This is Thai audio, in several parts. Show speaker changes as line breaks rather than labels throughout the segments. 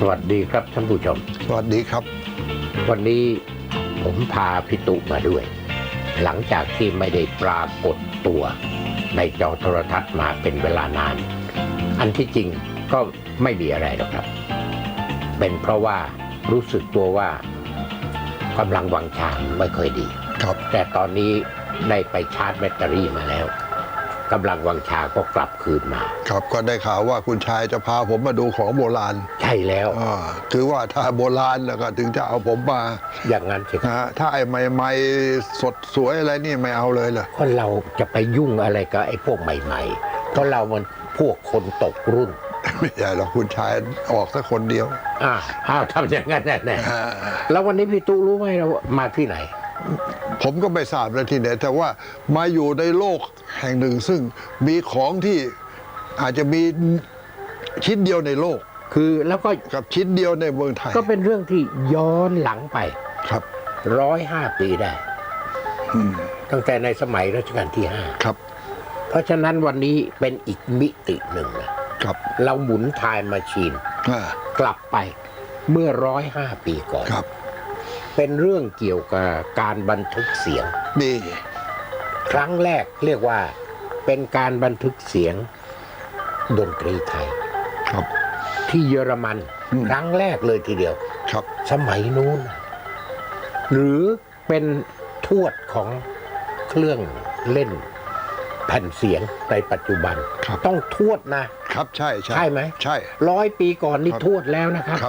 วัสดีครับท่านผู้ชม
สวัสดีครับ
วันนี้ผมพาพี่ตุมาด้วยหลังจากที่ไม่ได้ปรากฏตัวในจอโทรทัศน์มาเป็นเวลานานอันที่จริงก็ไม่มีอะไรหรอกครับเป็นเพราะว่ารู้สึกตัวว่ากำลังวังชาไม่ค่อยดี
ครับ
แต่ตอนนี้ได้ไปชาร์จแบตเตอรี่มาแล้วกำลังวังชาก็กลับคืนมา
ครับก็ได้ข่าวว่าคุณชายจะพาผมมาดูของโบราณ
ใช่แล้ว
คือว่าถ้าโบราณแล้วก็ถึงจะเอาผมมา
อย่างนั้นสิ
ถ้าไอ้ใหม่ๆสดสวยอะไรนี่ไม่เอาเลยเหรอ
คนเราจะไปยุ่งอะไรกับไอ้พวกใหม่ๆเพราะเรามันพวกคนตกรุ่น
ไม่ใช่หรอกคุณชายออกสักคนเดียว
ทำอย่างนั้นแน่แล้ววันนี้พี่ตู้รู้ไหมเรามาที่ไหน
ผมก็ไม่ทราบนะที่ไหนแต่ว่ามาอยู่ในโลกแห่งหนึ่งซึ่งมีของที่อาจจะมีชิ้นเดียวในโลก
คือแล้วก็
กับชิ้นเดียวในเมืองไทย
ก็เป็นเรื่องที่ย้อนหลังไป
ครับ
105 ปีได้ตั้งแต่ในสมัยรัชกาลที่5
ครับ
เพราะฉะนั้นวันนี้เป็นอีกมิติหนึ่งนะครับเราหมุนไทม์แมชชีนกลับไปเมื่อ105 ปีก่อน
ครับ
เป็นเรื่องเกี่ยวกับการบันทึกเสียง
นี่
ครั้งแรกเรียกว่าเป็นการบันทึกเสียงดนตรีไทย
ครับ
ที่เยอรมันครั้งแรกเลยทีเดียว
ครับ
สมัยนู้นหรือเป็นทวดของเครื่องเล่นแผ่นเสียงในปัจจุบันต้องทวด
นะครับใช่
ใช่ไหม
ใช่
100 ปีก่อนนี่ทวดแล้วนะครับ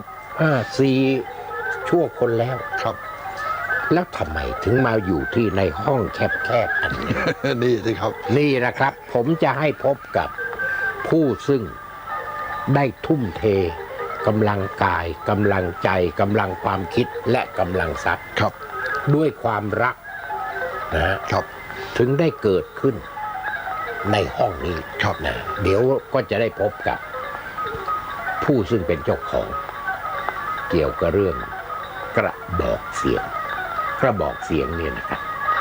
4 ชั่วคนแล้ว
ครับ
แล้วทำไมถึงมาอยู่ที่ในห้องแคบๆอันนี้
นี่สิครับ
นี่นะครับผมจะให้พบกับผู้ซึ่งได้ทุ่มเทกำลังกายกำลังใจกำลังความคิดและกำลังทรัพย์
ครับ
ด้วยความรัก
นะครับ
ถึงได้เกิดขึ้นในห้องนี้
ครับ
นะเดี๋ยวก็จะได้พบกับผู้ซึ่งเป็นเจ้าของเกี่ยวกับเรื่องกระบอกเสียงเนี่ยนะครับ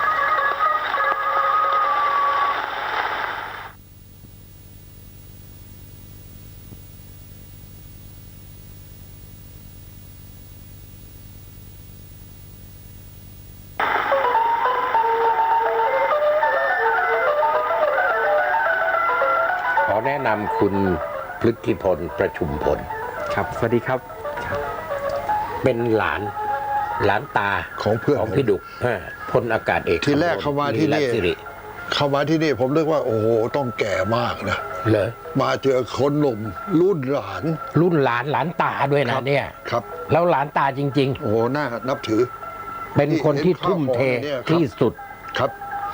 ขอแนะนำคุณพฤทธิพลประชุมพล
ครับสวัสดีครับ
เป็นหลานตา
ของเพื่อน
ของพี่ดุกพลอากาศเอก
ที่แรกเข้ามาที่นี่ผมนึกว่าโอ้โหต้องแก่มากนะ
เหรอ
มาเจอคนหนุ่มรุ่นหล
านตาด้วยนะเนี่ย
ครับ
แล้วหลานตาจริง
ๆโอ้โหน่านับถือ
เป็นคนที่ทุ่มเทที่สุด
ครับ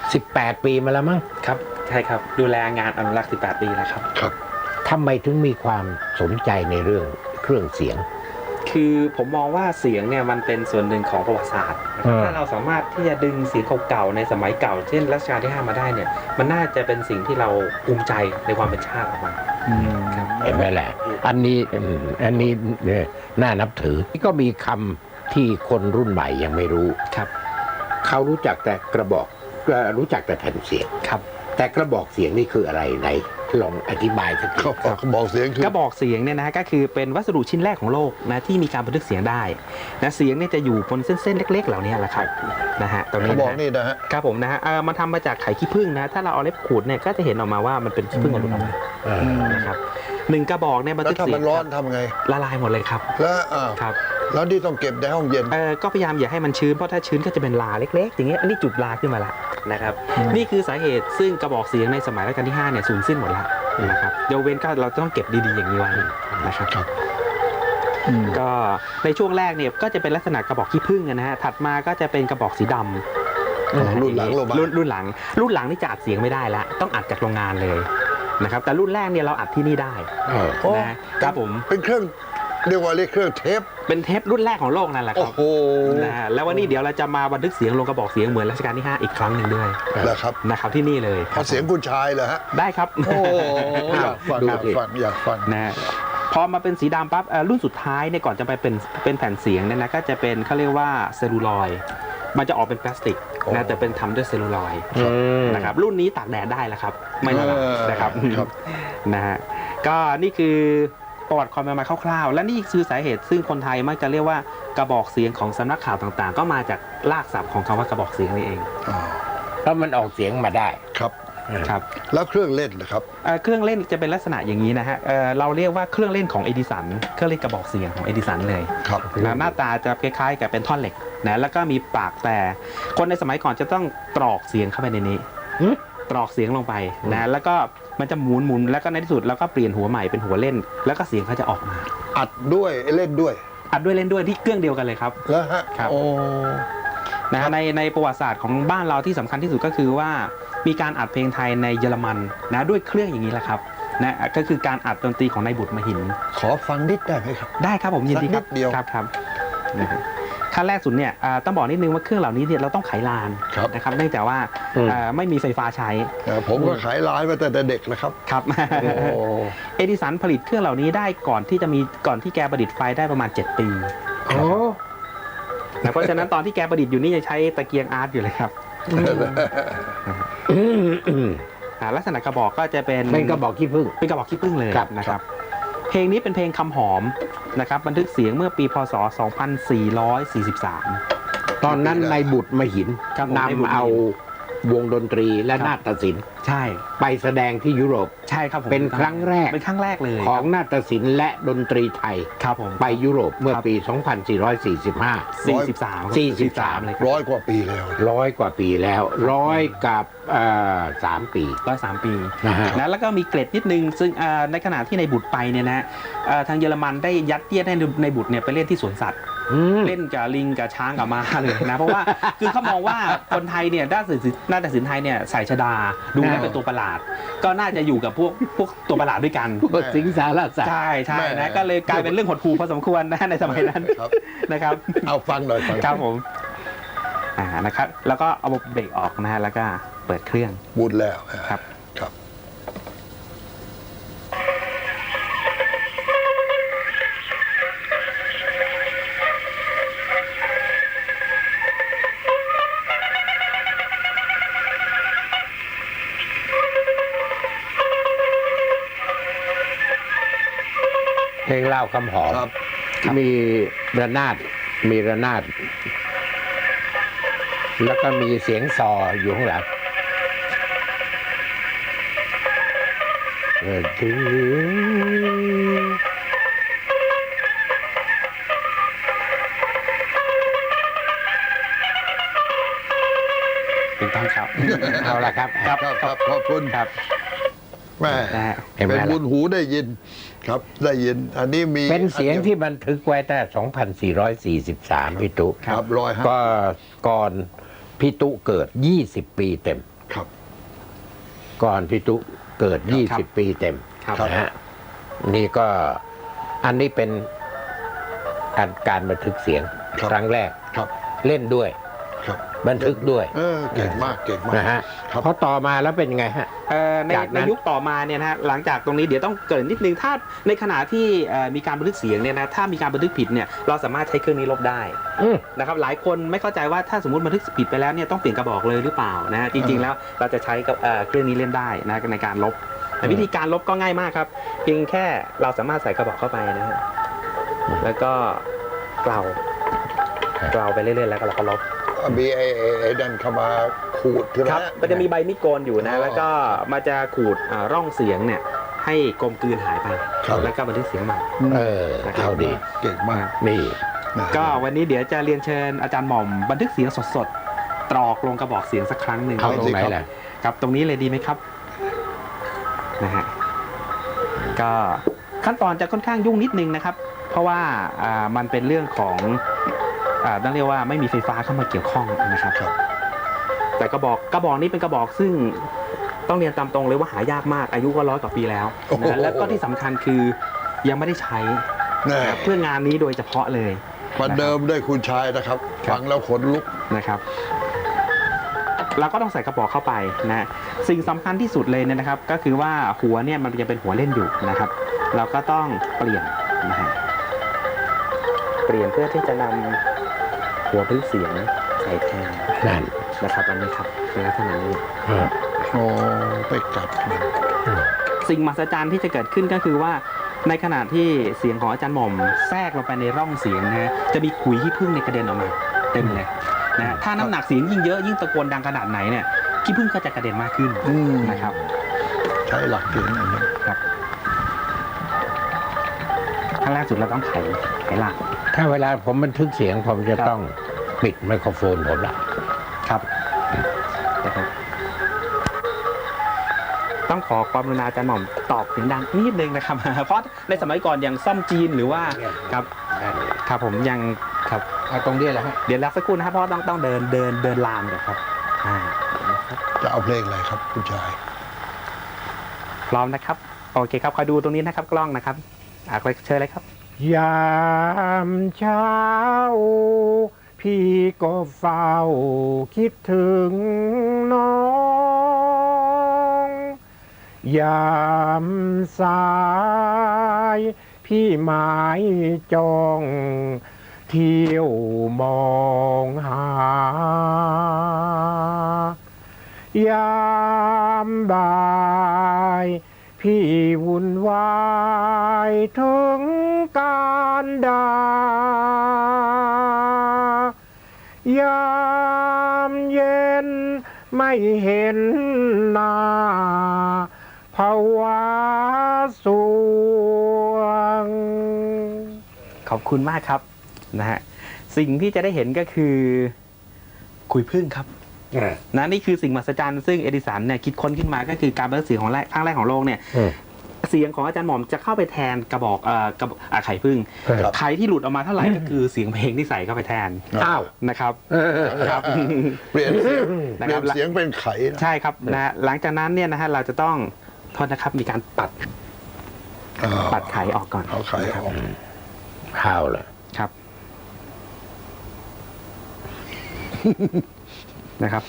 18 ปีมาแล้วมั้ง
ครับใช่ครับดูแลงานอนุรักษ์18 ปีแล้วครับ
ครับ
ทำไมถึงมีความสนใจในเรื่องเครื่องเสียง
คือผมมองว่าเสียงเนี่ยมันเป็นส่วนหนึ่งของประวัติศาสตร์ถ้าเราสามารถที่จะดึงเสียงเก่าๆในสมัยเก่าเช่นรัชกาลที่5มาได้เนี่ยมันน่าจะเป็นสิ่งที่เราภูมิใจในความเป็นชาติออกมา
เห็นไหมแหละอันนี้น่านับถือก็มีคำที่คนรุ่นใหม่ยังไม่รู้
ครับ
เขารู้จักแต่กระบอกรู้จักแต่แผ่นเสียง
ครับ
แต่กระบอกเสียงนี่คืออะไรไหนลองอธิบายสักที
กระบอกเสียงคือก
ระบอกเสียงเนี่ยนะก็คือเป็นวัสดุชิ้นแรกของโลกนะที่มีการบันทึกเสียงได้นะเสียงเนี่ยจะอยู่บนเส้นเล็กๆเหล่านี้แหละครับนะฮะตรงนี้
กระบอกนี่นะฮะ
ครับผมนะฮะมันทำมาจากไข่ขี้ผึ้งนะถ้าเราเอาเล็บขูดเนี่ยก็จะเห็นออกมาว่ามันเป็นขี้ผึ้งหลุดออกมานะครับ1 กระบอกเนี่ยบันทึกเสียง
แล้วถ้ามันร้อนทำไง
ละลายหมดเลยครับ
แล้วที่ต้องเก็บในห้องเย็น
ก็พยายามอย่าให้มันชื้นเพราะถ้าชื้นก็จะเป็นลาเล็กๆอย่างเงี้ยอันนี้จุดลาขึ้นมาละนะครับนี่คือสาเหตุซึ่งกระบอกเสียงในสมัยรัชกาลที่5เนี่ยสูญสิ้นหมดแล้วนะครับยกเว้นก็เราต้องเก็บดีๆอย่างนี้ไว้นะครับก็ในช่วงแรกเนี่ยก็จะเป็นลักษณะกระบอกขี้ผึ้งนะฮะถัดมาก็จะเป็นกระบอกสีดำ
รุ่นหลัง
นี่จะอัดเสียงไม่ได้แล้วต้องอัดจากโรงงานเลยนะครับแต่รุ่นแรกเนี่ยเราอัดที่นี่ได้นะครับผม
เป็นเครื่องเรียกว่าเครื่องเทป
เป็นเทปรุ่นแรกของโลกนั่นแหละครับนะแล้ววันนี้เดี๋ยวเราจะมาบันทึกเสียงลงกระบอกเสียงเหมือนรัชกาลที่5อีกครั้งหนึ่งด้วยนะครับที่นี่เลย
เอาเสียงคุณชายเหรอฮะ
ได้ครับ
โอ้อยากฟัง
นะพอมาเป็นสีดำปั๊บรุ่นสุดท้ายเนี่ยก่อนจะไปเป็นแผ่นเสียงเนี่ยนะก็จะเป็นเขาเรียกว่าเซลลูลอยด์มันจะออกเป็นพลาสติกนะแต่เป็นทำด้วยเซลลูลอยด์นะครับรุ่นนี้ตากแดดได้แล้วครับไม่ละลายนะครับนะฮะก็นี่คือประวัติความเป็นมาคร่าวๆและนี่คือสาเหตุซึ่งคนไทยมักจะเรียกว่ากระบอกเสียงของสำนักข่าวต่างๆ ก็มาจากรากศัพท์ของคำว่ากระบอกเสียงนี่เอง
อ๋อ
เพราะมันออกเสียงมาได้
ครับ
ครับ
แล้วเครื่องเล่นนะครับ
เครื่องเล่นจะเป็นลักษณะอย่างนี้นะฮะเราเรียกว่าเครื่องเล่นของเอดิสันเครื่องเล่นกระบอกเสียงของเอดิสันเลย
ครับ
นะหน้าตาจะคล้ายๆกับเป็นท่อนเหล็กนะแล้วก็มีปากแต่คนในสมัยก่อนจะต้องตรอกเสียงเข้าไปในนี้ ตรอกเสียงลงไปนะแล้วก็มันจะหมุนแล้วก็ในที่สุดแล้วก็เปลี่ยนหัวใหม่เป็นหัวเล่น แล้วก็เสียงเขาจะออกมา
อัดด้วยเล่นด้วย
อัดด้วยเล่นด้วยที่เครื่องเดียวกันเลยครับ
แล้วฮะ
ครับ
โอ้
นะในประวัติศาสตร์ของบ้านเราที่สำคัญที่สุดก็คือว่ามีการอัดเพลงไทยในเยอรมันนะด้วยเครื่องอย่างนี้แหละครับนะก็คือการอัดดนตรีของนายบุตรมหิน
ขอฟังนิดได้ไหมครับ
ได้ครับผมยินดีครับ
สักนิดเดียว
ครับนะฮะขั้นแรกสุดเนี่ยต้องบอกนิดนึงว่าเครื่องเหล่านี้เนี่ยเราต้องไขลาน
ครับ
นะครับเนื่องจากว่าไม่มีไฟฟ้าใช้
ผมก็ขายไลน์มาแต่เด็กนะครับ
ครับ
โอ้
เอดิสันผลิตเครื่องเหล่านี้ได้ก่อนที่แกประดิษฐ์ไฟได้ประมาณ 7 ปี
โอ้
นะเพราะฉะนั้นตอนที่แกประดิษฐ์อยู่นี่ยังใช้ตะเกียงอาร์ตอยู่เลยครับลักษณะกระบอกก็จะเป็น
เป็นกระบอกขี้ผึ้ง
เป็นกระบอกขี้ผึ้งเลย
ครับ
นะครับ เพลงนี้เป็นเพลงคำหอมนะครับบันทึกเสียงเมื่อปีพศ 2443
ตอนนั้นนายบุตรมหิน
ครับผมนายบุตรมหิน
นำเอาวงดนตรีและ
ครับ
นาฏศิลป์
ใช่
ไปแสดงที่ยุโรป
ใช่ครับผม
เป็นครั้งแรก
เป็นครั้งแรกเลย
ของนาฏศิลป์และดนตรีไทย
ครับผม
ไปยุโรปเมื่อ
ครับ
ปี 2445
43
43
เลยครับ
100 กว่าปีแล้ว
100 กว่าปีแล้ว100 กับ3 ปี
103 ปี
นะฮะ
นะแล้วก็มีเกร็ดนิดนึงซึ่งในขณะที่ในบุตรไปเนี่ยนะทางเยอรมันได้ยัดเยียดให้ในบุตรเนี่ยไปเล่นที่สวนสัตว์ เล่นกับลิงกับช้างกับม้าเลยนะเพราะว่าคือเขามองว่าคนไทยเนี่ยด้านศิลป์ไทยเนี่ยใส่ชดาดูแล้วเป็นตัวประหลาด ก็น่าจะอยู่กับพวกตัวประหลาดด้วยกัน
พวกสิงสารสัตว์
ใช่
แม่
นะก็เลยกลายเป็นเรื่องหดหู่พอสมควรนะในสมัยนั้น
ครับ
นะครับ
เอาฟังหน่อยฟัง
ครับผมนะครับแล้วก็เอาเบรกออกนะฮะแล้วก็เปิดเครื่อง
บุญแล้ว
ครับ
ครับ
เพลงเล่าคำหอม
ครับ
มีระนาดแล้วก็มีเสียงซออยู่ข้างหลังถึง
ถูกต้องครับ
เอาละครับ
ครับครับขอบคุณ
ครับ
แม่
นะฮะ
เห็นไหม
เป็น
ล่ะ
บุญหูได้ยินครับได้ยิน อันนี้มี
เป็นเสียงที่บันทึกไว้ตั้ง2443พี่ตุ
ครับ105
ก็ก่อนพี่ตุเกิด 20 ปีเต็ม
ครับ
ก่อนพี่ตุเกิด
ครับ
20 ปีเต็ม
ครับ
นะฮะนี่ก็อันนี้เป็นการบันทึกเสียง
ครับ
ครั้งแรก
ครับ
เล่นด้วย
ครับ
บันทึกด้วย
เก่งมากเก่งมาก
นะฮะ
ครับ
เพราะต่อมาแล้วเป็นไงฮะ
ใน
จากนั้น
ในยุคต่อมาเนี่ยนะฮะหลังจากตรงนี้เดี๋ยวต้องเกรินนิดนึงถ้าในขณะที่มีการบันทึกเสียงเนี่ยนะถ้ามีการบันทึกผิดเนี่ยเราสามารถใช้เครื่องนี้ลบได้
อืม
นะครับหลายคนไม่เข้าใจว่าถ้าสมมติบันทึกผิดไปแล้วเนี่ยต้องเปลี่ยนกระบอกเลยหรือเปล่านะฮะจริงๆแล้วเราจะใช้กับเครื่องนี้เล่นได้นะในการลบแต่วิธีการลบก็ง่ายมากครับเพียงแค่เราสามารถใส่กระบอกเข้าไปนะฮะแล้วก็เกลาไปเรื่อยๆแล้วก็เราก็ลบ
มีไอ้ดันเข้ามาขูดใช่ไหม
ครับมันจะมีใบมีดโกนอยู่นะ
อ๋อ
แล้วก็มันจะขูดร่องเสียงเนี่ยให้กลมกลืนหายไป
ครับ
แล้วก็บันทึกเสียงใหม่
เอาดี
เก่งมาก
นี่
นะ
ก็วันนี้เดี๋ยวจะเรียนเชิญอาจารย์หม่อมบันทึกเสียงสดๆตรอกลงกระบอกเสียงสักครั้งหนึ่ง
เอาตรงไหนล่ะ
ครับตรงนี้เลยดีไหมครับนะฮะก็ขั้นตอนจะค่อนข้างยุ่งนิดนึงนะครับ เพราะว่ามันเป็นเรื่องของต้องเรียกว่าไม่มีไฟฟ้าเข้ามาเกี่ยวข้องนะครับ
ครับ
แต่กระบอกนี้เป็นกระบอกซึ่งต้องเรียนตามตรงเลยว่าหายากมากอายุก็100 กว่าปีแล้ว
โอ้โห
นะแล้วก็ที่สำคัญคือยังไม่ได้ใช้
แน่
เพื่องานนี้โดยเฉพาะเลย
ประเดิมด้วยคุณชายนะครับ
ครับ
ฟังแล้วขนลุก
นะครับเราก็ต้องใส่กระบอกเข้าไปนะสิ่งสำคัญที่สุดเลยเนี่ยนะครับ ก็คือว่าหัวเนี่ยมันยังเป็นหัวเล่นอยู่นะครับ เราก็ต้องเปลี่ยนนะฮะเปลี่ยนเพื่อที่จะนำหัวพื้นเสียงใส่แทน
นั่น
นะครับอันนี้ครับเป็นลักษณะนี้
อืม
โอ้ไปกัดมัน
สิ่งมหัศจรรย์ที่จะเกิดขึ้นก็คือว่าในขณะที่เสียงของอาจารย์หม่อมแทรกลงไปในร่องเสียงนะฮะจะมีขุยขี้ผึ้งในกระเด็นออกมาเต็มเลยนะฮะถ้าน้ำหนักเสียงยิ่งเยอะยิ่งตะโกนดังขนาดไหนเนี่ยขี้ผึ้งก็จะกระเด็นมากขึ้นนะครับ
ใช้หลักเกณฑ์อันนี้
ครับขั้นแรกสุดเราต้องไขหลัก
ถ้าเวลาผมบันทึกเสียงผมจะ
ครับ
ต้องปิดไมโครโฟนผมละ
ครับนะครับต้องขอความกรุณาอาจารย์หม่อมตอบเสียงดังนิดนึงนะครับ เพราะในสมัยก่อนอย่างซ่อมจีนหรือว่าครับครับผมยังครับ
เอาตรงนี้แหละฮะ
เดี๋ยวรับสักครู่นะครับเพราะต้องเดินลามเดี๋ยวครับนะครับ
จะเอาเพลงอะไรครับคุณชาย
พร้อมนะครับโอเคครับคอยดูตรงนี้นะครับกล้องนะครับเชิญเลยครับ
ยามเช้า พี่ก็เฝ้าคิดถึงน้อง ยามสาย พี่หมายจ้องเที่ยวมองหา ยามบ่ายพี่วุ่นวายถึงการดายามเย็นไม่เห็นหน้าภาวะสวง
ขอบคุณมากครับนะฮะสิ่งที่จะได้เห็นก็คือขุยผึ้งครับนะนี่คือสิ่งมหัศจรรย์ซึ่งเอดิสันเนี่ยคิดค้นขึ้นมาก็คือการบันทึกเสียงของครั้งแรกของโลกเนี่ยเสียงของอาจารย์หม่อมจะเข้าไปแทนกระบอกไข่ผึ้ง
ครับ
ไข่ที่หลุดออกมาเท่าไหร่ก็คือเสียงเพลงที่ใส่เข้าไปแทน
อ้าว
นะครับครับ
เปลี่ยนเสียง
นะ
เป
ค
ลี่
รั
ย
บ
นเสียงเป็นไขนะ
ใช่ครับนะหลังจากนั้นเนี่ยนะฮะเราจะต้องโทษนะครับมีการปัดไข่ออกก่อน
เอาไขออก
ข้าวเลย
ครับ นะครับ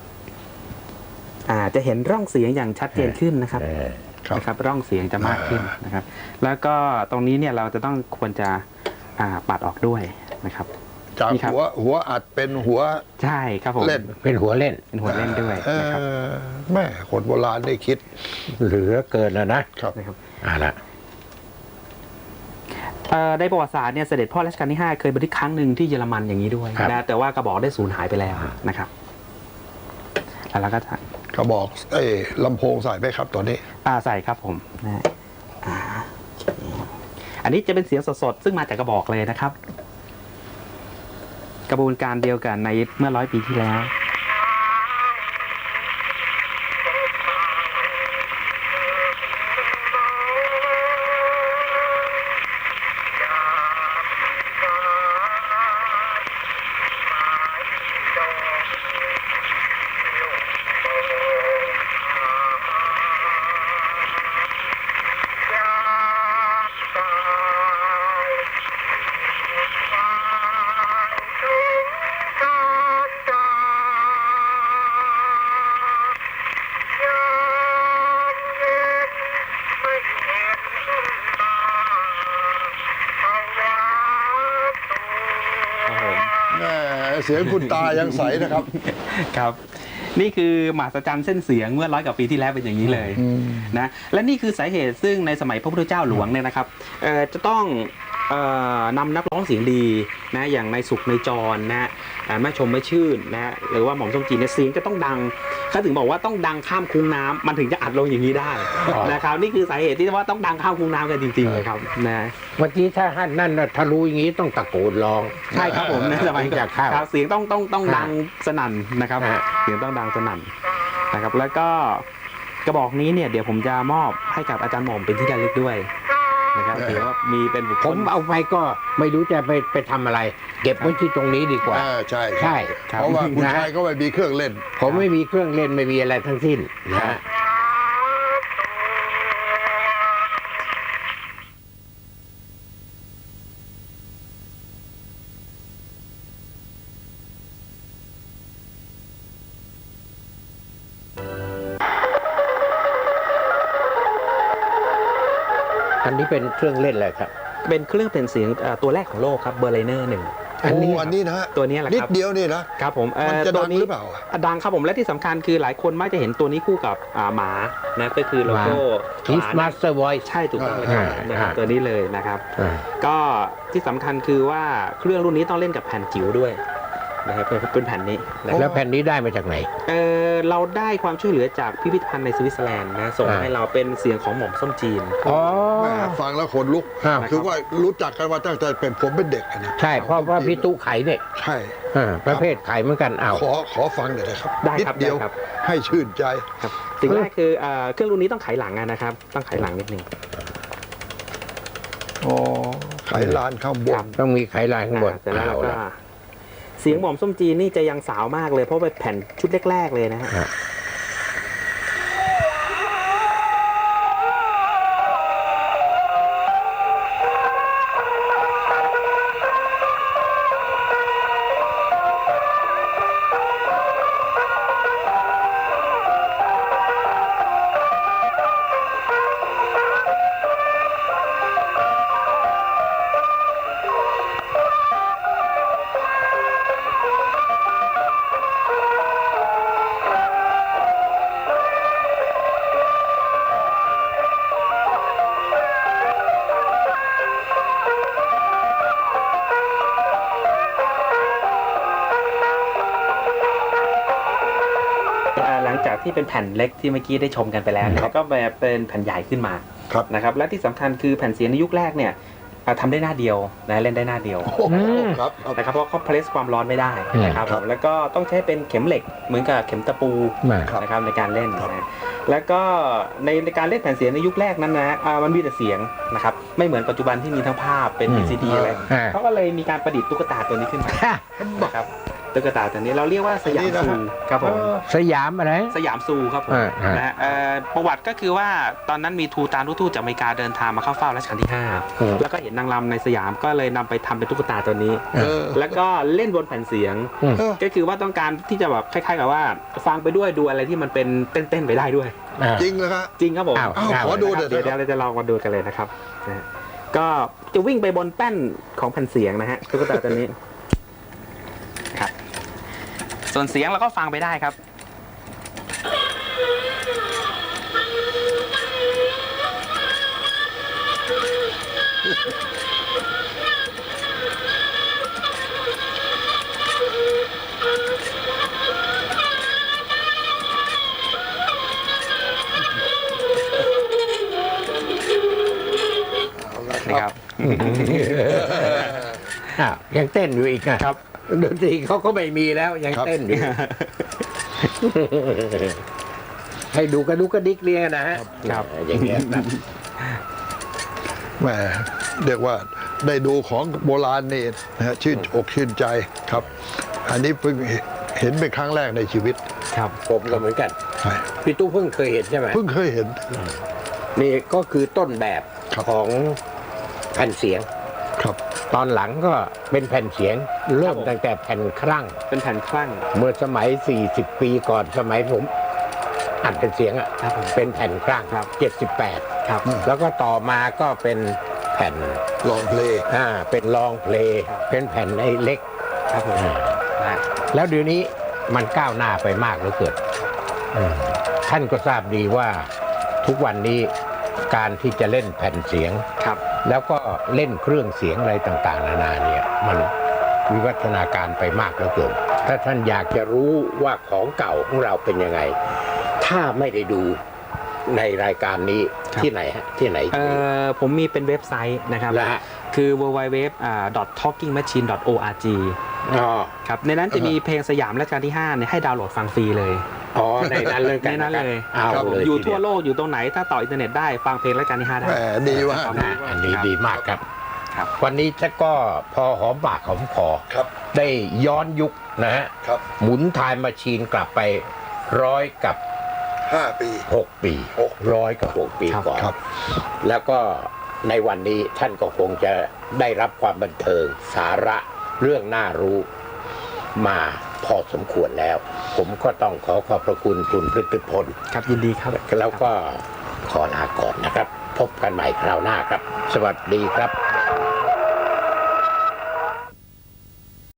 จะเห็นร่องเสียงอย่างชัดเจนขึ้นนะครับ
ครับ
นะครับ ร่องเสียงจะมากขึ้นนะครับ แล้วก็ตรงนี้เนี่ยเราจะต้องควรจะปัดออกด้วยนะครับ
จาก
นี่ครับ
หัวอัดเป็นหัว
ใช่ครับผม
เล่น
เป็นหัวเล่น
เป็นหัวเล่นด้วยนะครับ
แม่คนโบราณได้คิด
เหลือเกินแล้วนะ
ครับ
นะครับ
เอาละ
ในประวัติศาสตร์เนี่ยเสด็จพ่อรัชกาลที่ 5 เคยบันทึกครั้งหนึ่งที่เยอรมันอย่างนี้ด้วยนะแต่ว่ากระบอกได้สูญหายไปแล้วนะครับแล้วก็
กระบอกลำโพงใส่ไหมครับตอนนี้
ใส่ครับผมนะอันนี้จะเป็นเสียงสดๆซึ่งมาจากกระบอกเลยนะครับ กระบวนการเดียวกันในเมื่อ100 ปีที่แล้ว
เสียงคุณตายังใสนะครับ
ครับ นี่คือมหัศจรรย์เส้นเสียงเมื่อ100 กว่าปีที่แล้วเป็นอย่างนี้เลยนะและนี่คือสาเหตุซึ่งในสมัยพระพุทธเจ้าหลวงเนี่ยนะครับจะต้องนำนักร้องเสียงดีนะอย่างนายสุขนายจรนะแม่ชมแม่ชื่นนะหรือว่าหม่อมส้มจีนเนี่ยเสียงจะต้องดังเขาถึงบอกว่าต้องดังข้ามคุ้งน้ำมันถึงจะอัดลงอย่างนี้ได้นะครับนี่คือสาเหตุที่ว่าต้องดังข้ามคุ้งน้ำกันจริงๆเลยครับนะ
เมื่อกี้ถ้าท่านนั่นน่ะถ้ารู้อย่างนี้ต้องตะโกนร้อง
ใช่ครับผมในสมัย
จากข้าว
ครับเสียงต้องดังสนั่นนะครับ
ฮะ
เสียงต้องดังสนั่นนะครับ แล้วก็กระบอกนี้เนี่ยเดี๋ยวผมจะมอบให้กับอาจารย์หม่อมเป็นที่ระลึกด้วยนะครับถือว่ามีเป็นบุคค
ผ
ล
มเอาไปก็ไม่รู้จะไปทำอะไร เก็บไว้ที่ตรงนี้ดีกว่า
ใช่
ใช่
เพราะว่าคุณ
นะ
ชายก็ไม่มีเครื่องเล่น
ผมไม่มีเครื่องเล่นไม่มีอะไรทั้งสิ้นนะฮะ อันนี้เป็นเครื่องเล่นอะไรครับ
เป็นเครื่องเปลี่ยนเสียงตัวแรกของโลกครับเบอร์ไลเนอร์1
โอ้อันนี้นะฮะ
ตัวนี้แหละ
นิด
ครับ
เดียวนี่นะครับ
ผม
มันจะ
ตั
ดั
ว
ง
นี้
หรือเปล่า
ดังครับผมและที่สำคัญคือหลายคนมักจะเห็นตัวนี้คู่กับหมานะก็คือโลโก้
His
หมา
Master Voice
ใช่ถูกต้องเลยครับนะครับตัวนี้เลยนะครับ
อ่า
ก็ที่สำคัญคือว่าเครื่องรุ่นนี้ต้องเล่นกับแผ่นจิ๋วด้วยนะครับเป็นแผ่นนี้นะค
แล้
รับ
วแผ่นนี้ได้มาจากไหน
เราได้ความช่วยเหลือจากพิพิธภัณฑ์ในสวิตเซอร์แลนด์นะส่ง
อ่า
ให้เราเป็นเสียงของหม่อมส้มจีน
อ๋อ
แหมฟังแล้วขนลุก
อ้าว
คือว่ารู้จักกันมาตั้งแต่เป็นผมเป็นเด็กอะนะ
ใช่เพราะว่าพี่ตู้ไขเนี่ย
ใช่
ประเภทไขเหมือนกันอ้าว
ขอฟังหน่อยนะครับ
ได้
นิด
ครับ
เดียว
ได้ครับ
ให้ชื่นใจ
ครับสิ่งแรกคือเครื่องรุ่นนี้ต้องไขหลังนะครับต้องไขหลังนิดนึง
อ๋อไขลานข้างบ
ครั
น
บ
ต้องมีไขลายข้างบน
เสร็จแล้วเรา
เอา
ก็
ละ
เสียงหม่อมส้มจีนนี่จะยังสาวมากเลยเพราะเป็นแผ่นชุดแรกๆเลยนะฮะ
อ่ะ
หลังจากที่เป็นแผ่นเล็กที่เมื่อกี้ได้ชมกันไปแล้วเนี่ยก็แบบเป็นแผ่นใหญ่ขึ้นมา
ครับ
นะครับและที่สำคัญคือแผ่นเสียงในยุคแรกเนี่ยทำได้หน้าเดียวนะเล่นได้หน้าเดียว
โอ้โหครับครับ
นะครับเพราะเขาเพรสความร้อนไม่ได้นะครับ
ครับ
แล้วก็ต้องใช้เป็นเข็มเหล็กเหมือนกับเข็มตะปู
มา
นะครับในการเล่นนะแล้วก็ในการเล่นแผ่นเสียงในยุคแรกนั้นนะมันมีแต่เสียงนะครับไม่เหมือนปัจจุบันที่มีทั้งภาพเป็น VCD อะไร
อ่า
เขาก็เลยมีการประดิษฐ์ตุ๊กตาตัวนี้ขึ้นมานะครับตุ๊กตาตัวนี้เราเรียกว่าสยามซูครับผม
สยามอะไร
สยามซูครับผม นะฮะประวัติก็คือว่าตอนนั้นมีทูตานทูตจากอเมริกาเดินทางมาเข้าเฝ้ารัชกาลที่
อืม
5 แล้วก็เห็นนางรำในสยามก็เลยนำไปทำเป็นตุ๊กตาตัวนี้
เออ
แล้วก็เล่นบนแผ่นเสียง
อืม
ก็คือว่าต้องการที่จะแบบคล้ายๆกับว่า ฟังไปด้วยดูอะไรที่มันเป็นเต้นๆไปได้ด้วย
อ่า
จริงเลยครับ
จริงครับผม
อ้าว
ขอดูหน่อย
เดี๋ยว
นะครับ
เราจะลองมาดูกันเลยนะครับนะฮะก็จะวิ่งไปบนแป้นของแผ่นเสียงนะฮะตุ๊กตาตัวนี้ครับส่วนเสียงเราก็ฟังไปได้ครับ นะครับ
อ้าวยังเต้นอยู่อีกนะครับ ดนตรีเขาก็ไม่มีแล้วยัง
ครับ
เต้นอยู่ ให้ดูกระดุกกระดิกเรียงนะฮะ
ครับ
อย่างเงี้ยนะ
แหมเรียกว่าได้ดูของโบราณนี่นะฮะชื่นอกชื่นใจครับ อันนี้เพิ่งเห็นเป็นครั้งแรกในชีวิต
ครับ
ผมก็เหมือนกัน
ใช่
พี่ตู้เพิ่งเคยเห็นใช่ไหม
เพิ่งเคยเห็น
นี่ก็คือต้นแบบ
ครับ
ของแผ่นเสียง
ครับ
ตอนหลังก็เป็นแผ่นเสียง เริ่ม
ครับผม
ตั้งแต่แผ่นครั่ง
เป็นแผ่นคลั่ง
เมื่อสมัย 40 ปีก่อนสมัยผมอัดเป็นเสียงอ่ะ
ครับผม
เป็นแผ่นครั่ง
ครับ
78
ครับ
แล้วก็ต่อมาก็เป็นแผ่น
ลองเพลง
เป็นลองเพลง
ครับ
เป็นแผ่นไอ้เล็ก
ครับผมนะฮะ
แล้วเดี๋ยวนี้มันก้าวหน้าไปมากเหลือเกินท่านก็ทราบดีว่าทุกวันนี้การที่จะเล่นแผ่นเสียง
ครับ
แล้วก็เล่นเครื่องเสียงอะไรต่างๆนานาเนี่ยมันวิวัฒนาการไปมากเหลือเกินถ้าท่านอยากจะรู้ว่าของเก่าของเราเป็นยังไง ถ้าไม่ได้ดูในรายการนี้
ครับ
ที่ไหนฮะที่ไหน
ผมมีเป็นเว็บไซต์นะครับ
แล้วฮะ
คือ www.talkingmachine.org
อ๋อ
ครับในนั้นจะมีเพลงสยามรัชกาลที่5เนี่ยให้ดาวน์โหลดฟังฟรีเลย
อ๋อในนั้นเลยกัน
ในนั้นเลย
เอา
ครับ
เลย
อยู่
ที
ทั่ว
เดี
โลกอยู่ตรงไหนถ้าต่ออินเทอร์เน็ตได้ฟังเพลงรัชกาลที่5ได้
แหมดีว่าก
นะอันนี้ดีมากครับ
ครับ
วันนี้จะก็พอหอมปากหอมคอ
ครับ
ได้ย้อนยุคนะฮะ
ครับ
หมุนไทม์มาชีนกลับไป100 กับ
5 ปี
6 ปี100 กับ 6 ปีก่อน
ครับ
แล้วก็ในวันนี้ท่านก็คงจะได้รับความบันเทิงสาระเรื่องน่ารู้มาพอสมควรแล้ว ผมก็ต้องขอบพระคุณคุณพฤติพล
ครับยินดีครับ
แล้วก็ขอลาก่อนนะครับ พบกันใหม่คราวหน้าครับ สวัสดีครับ